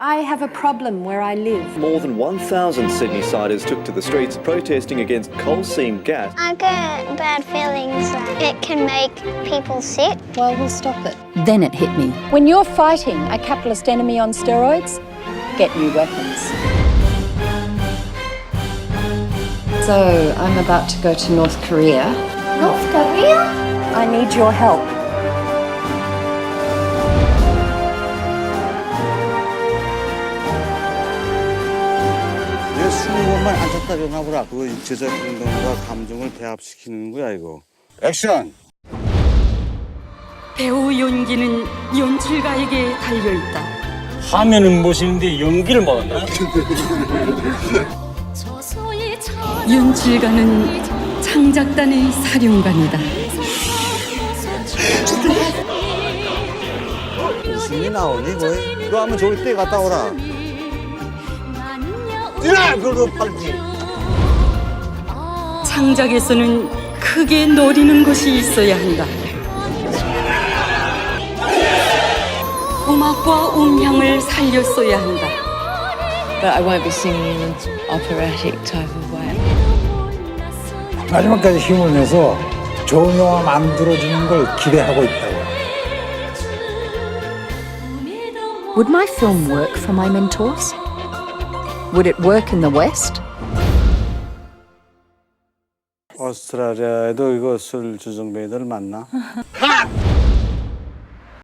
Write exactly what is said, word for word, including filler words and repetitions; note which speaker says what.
Speaker 1: I have a problem where I live.
Speaker 2: More than one thousand Sydney-siders took to the streets protesting against coal seam gas.
Speaker 3: I get bad feelings that it can make people sick.
Speaker 1: Well, we'll stop it.
Speaker 4: Then it hit me.
Speaker 1: When you're fighting a capitalist enemy on steroids, get new weapons. So, I'm about to go to North Korea.
Speaker 3: North Korea?
Speaker 1: I need your help.
Speaker 5: 스무 번만 앉았다 일어나보라. 그거 제작 운동과 감정을 배합시키는 거야 이거. 액션!
Speaker 6: 배우 연기는 연출가에게 달려있다.
Speaker 7: 화면은 멋있는데 연기를 못한다?
Speaker 6: 연출가는 창작단의 사령관이다.
Speaker 5: 웃음이 나오니 거의? 그거 하면 저기 때 갔다 오라. 야, 그거 팔지.
Speaker 6: 창작에서는 크게 노리는 것이 있어야 한다. 음악과 음향을 살렸어야 한다.
Speaker 8: But I won't be singing in an operatic type of way.
Speaker 9: 마지막까지 힘을 내서 좋은 영화 만들어지는 걸 기대하고 있다고.
Speaker 4: Would my film work for my mentors? Would it work in the West?
Speaker 5: 오스트라리아에도 이거 술 주정뱅이들 만나?